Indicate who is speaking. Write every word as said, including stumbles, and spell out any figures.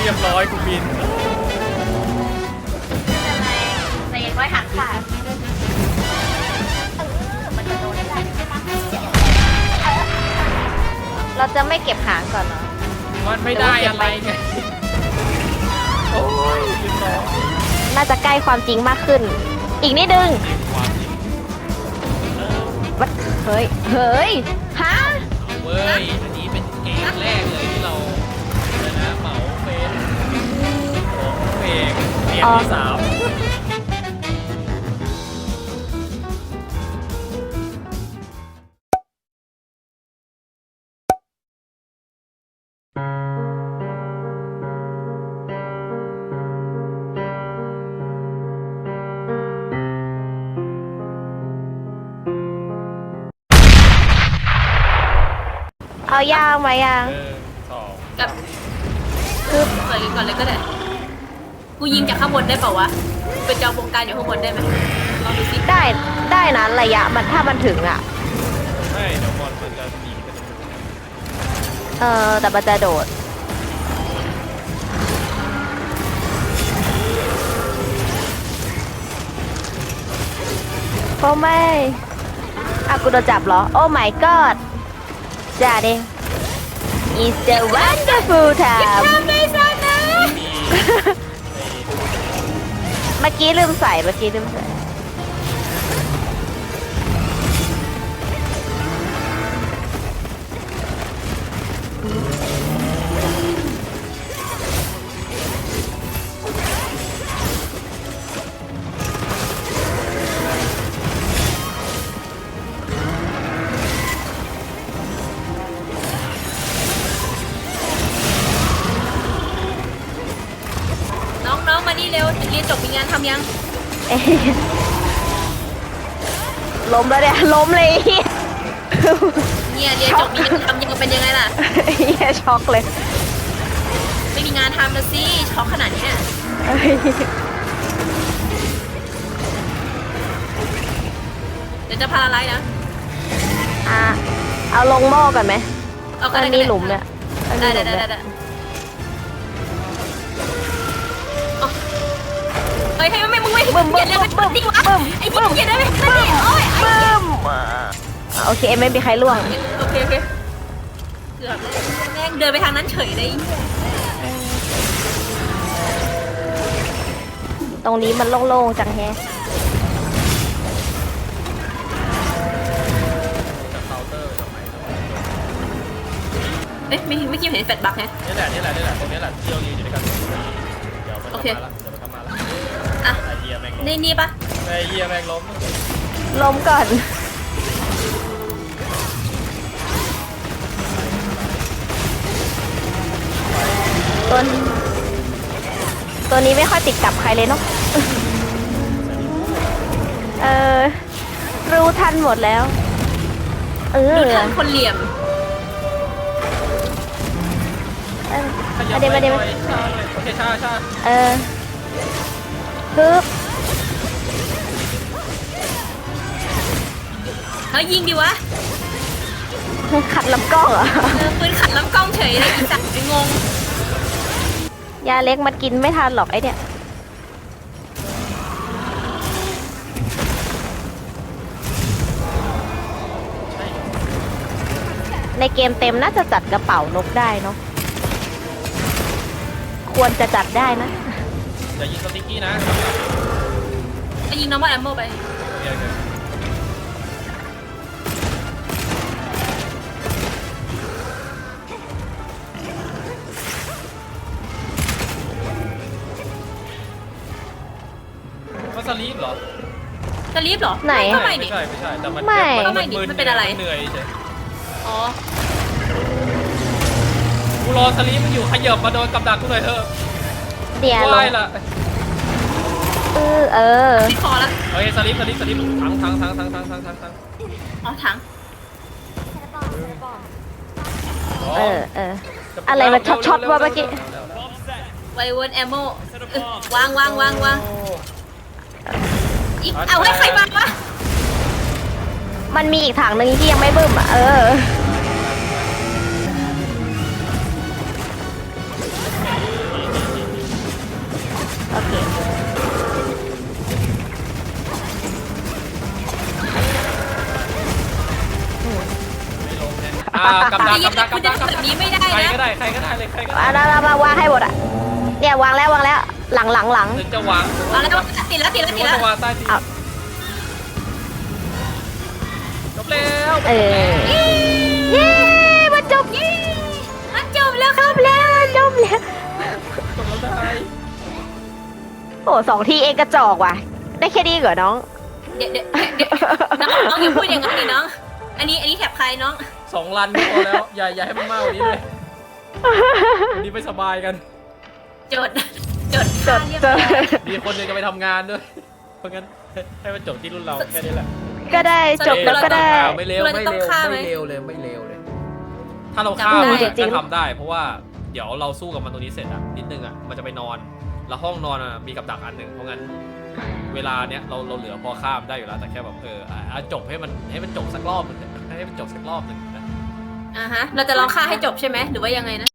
Speaker 1: รียบร้อยกูบิน
Speaker 2: อะไรแต่ยังไม่หักขาดมันจะโดนได้เราจะไม่เก็บหางก่อนเนาะ
Speaker 1: มันไม่ได้อะไรไงโอ้ยบินร้อย
Speaker 2: น่าจะใกล้ความจริงมากขึ้นอีกนิดนึงวัดเฮ้ยเฮ้ยฮะ
Speaker 1: เว้ยอันนี้เป็นเกมแรกเลยที่เราชนะเหมาเป็นของเพลงเกมที่สาม
Speaker 2: เอายางมายัง
Speaker 1: สอง
Speaker 3: กับคือเปิดกันก่อนเลยก็ได้กูยิงจากข้างบนได้เปล่าวะเป็นจอวงการอยู่ข้างบนได้ไหมลองดูสิ
Speaker 2: ได้ได้นะระยะมันถ้ามันถึงอ่ะ
Speaker 1: ใช่เดี๋ยวบอลมันจะหนีกัน
Speaker 2: เออแต่มันจะโดดโอ้ไม่อ่ะกูโดนจับเหรอโอ้ my god จ้าเด้ It's a wonderful time เมื่อกี้ลืมใส่เมื่อกี้ลืมใส่
Speaker 3: น้องๆมานี่เร็วเรียนจบมีงานทำยัง
Speaker 2: ล้มแล้วเนี่ยล้มเลย
Speaker 3: เนี่ยเรียนจบมีงานทำยังเป็นยังไงล่ะ
Speaker 2: เฮียช็อกเลย
Speaker 3: ไม่มีงานทำนะสิช็อกขนาดนี้เดี๋ยวจะพาอะไรนะ
Speaker 2: อ่ะเอาลงหม้อก่อนไหม
Speaker 3: เอา
Speaker 2: อันนี้หลุมเนี่ย
Speaker 3: ได้ได้ได้ได้เฮ้ยให้ไม่มึงไม่บึ้มบึ้มบึ้มบึ้มบึ้มไอ้บึ้มอย่าได้ไหมบึ้มโอ้ย
Speaker 2: บึ้มโอเคไม่มีใครล่วง
Speaker 3: โอเคโอเคเกือบเลยแม่งเดินไปทางนั้นเฉยเลย
Speaker 2: ตรงนี้มันโล่งๆจังแฮะ
Speaker 3: เอ๊ะไม่ไม่คิดเห็นแฟลชบักฮะ
Speaker 1: นี่แหละนี่แหละนี่แหละตรงนี้แหละที่เรายืนอยู่ด้วยกันเดี๋ยวมันจะมาละเดี๋ยวมันจะมาละ
Speaker 3: อ่ะนี่นี่ปะ
Speaker 1: ไอ้เหี้ยแม่งล้ม
Speaker 2: ล้มก่อนตัวตัวนี้ไม่ค่อยติดกับใครเลยเนาะเออรู้ทันหมดแล้วเออ
Speaker 3: รู้ทันคนเหลี่ยม
Speaker 2: มาเดี๋ยวมาเดี๋ยว
Speaker 1: โอเคชาชา
Speaker 2: เออฮึบ
Speaker 3: เฮ้ยยิงดิวะ
Speaker 2: ขัดลำกล้องเหรอ
Speaker 3: เออปืนขัดลำกล้องเฉยเลยอีสัตว์ไอ้งง
Speaker 2: ยาเล็กมันกินไม่ทันหรอกไอเนี่ยในเกมเต็มน่าจะจัดกระเป๋านกได้เนาะควรจะจัดได้นะ
Speaker 1: อย่ายิงสติ๊กกี้นะ
Speaker 3: ไอ้ยิงน้องว่าแอมโมไป
Speaker 1: มันสลีปเหรอ
Speaker 3: สลีปเหรอ
Speaker 2: ไหน
Speaker 1: ไม่ใช่ไม่ใช่แต่มัน
Speaker 3: มันเป็นอะไร
Speaker 1: เหนื่อยใช่
Speaker 3: อ๋อ
Speaker 1: กูรอสลีปมันอยู่ขยับมาโดนกับดักกูหน่อยเถอะ
Speaker 2: เดี๋ยว
Speaker 1: ไล่ละ
Speaker 2: เออเออ
Speaker 3: ติดคอละ
Speaker 1: เฮ้ยสลิปสลิปสลิปทั้งทั้งทั้งทั้งทั้งทั้งทั้งทั้ง
Speaker 3: อ๋อถัง
Speaker 2: เออเอออะไรมันช็อตช็อตวะเมื่อกี้
Speaker 3: ไวเวิร์นแอมโมวางวางวางวางอีกเอาให้ใครมาวะ
Speaker 2: มันมีอีกถังหนึ่งที่ยังไม่บึ้มอ่ะเออ
Speaker 1: อ่ากำดัก
Speaker 3: ไอ้
Speaker 1: กำดัก
Speaker 3: คุณ
Speaker 1: กำ
Speaker 3: จะ
Speaker 1: ดัก
Speaker 3: ทำแบบนี้ไม่ได้
Speaker 1: ใคร
Speaker 3: นะ
Speaker 1: ก็ได้ใครก็ได้เลยใครก็ได้
Speaker 2: มามามาวางให้หมดอ่ะเนี่ยวางแล้ววางแล้ว หลังหลังหลัง
Speaker 1: ถึงจะวาง
Speaker 3: เอาแล้วติดแล้วติดแล้ว
Speaker 1: ถึง
Speaker 3: ติด
Speaker 1: ว่า
Speaker 3: แล้ว
Speaker 1: จะวางใต้ที
Speaker 2: เอา
Speaker 1: จบแล้ว
Speaker 2: เออเย้มันจบ
Speaker 3: มันจบแล้วครับ
Speaker 2: แล้วจบแล้ว
Speaker 1: จบแล้วได้
Speaker 2: โอ้สองทีเองกระจอกว่ะ ได้แค่นี้เหรอน้อง
Speaker 3: เดี๋ยวเดี๋ยวเดี๋ยวน้องน้องอย่าพูดอย่างนั้นดิน้อง อันนี้อันนี้แถบใครน้อง
Speaker 1: สองรันก็พอแล้วอย่าอย่าให้มันมากกว่านี้เลยวันนี้ไม่สบายกัน
Speaker 3: จดจด
Speaker 2: จ
Speaker 3: ค่า
Speaker 2: ด
Speaker 3: เรียบ
Speaker 2: จ
Speaker 3: ร้อ
Speaker 2: ด
Speaker 3: ย
Speaker 1: มีคนหนึงจะไปทำงานด้วยเพราะงั้นให้มันจบที่รุ่นเราแค่นี้แหละ
Speaker 2: ก็ได้จบแล้วก็ได้
Speaker 1: อ้าวไม่เร็วไม่เร็วไม่เร็วเลยไม่เร็วเลย ถ้าเราฆ่ามัน
Speaker 2: จริ
Speaker 1: ก็
Speaker 2: งๆ
Speaker 1: ทำได้ เพราะว่าเดี๋ยวเราสู้กับมันตรงนี้เสร็จอะนิดนึงอะมันจะไปนอน แล้วห้องนอนอะมีกับดักอันหนึ่งเพราะงั้นเวลาเนี้ยเราเราเหลือพอข้ามได้อยู่แล้วแต่แค่แบบเอออ่ะอ่ะจบให้มันให้มันจบสักรอบหนึงให้มันจบสักรอบหนึ่งนะ
Speaker 3: อ่าฮะ เราจะลองฆ่าให้จบใช่ไหมหรือว่ายังไงนะ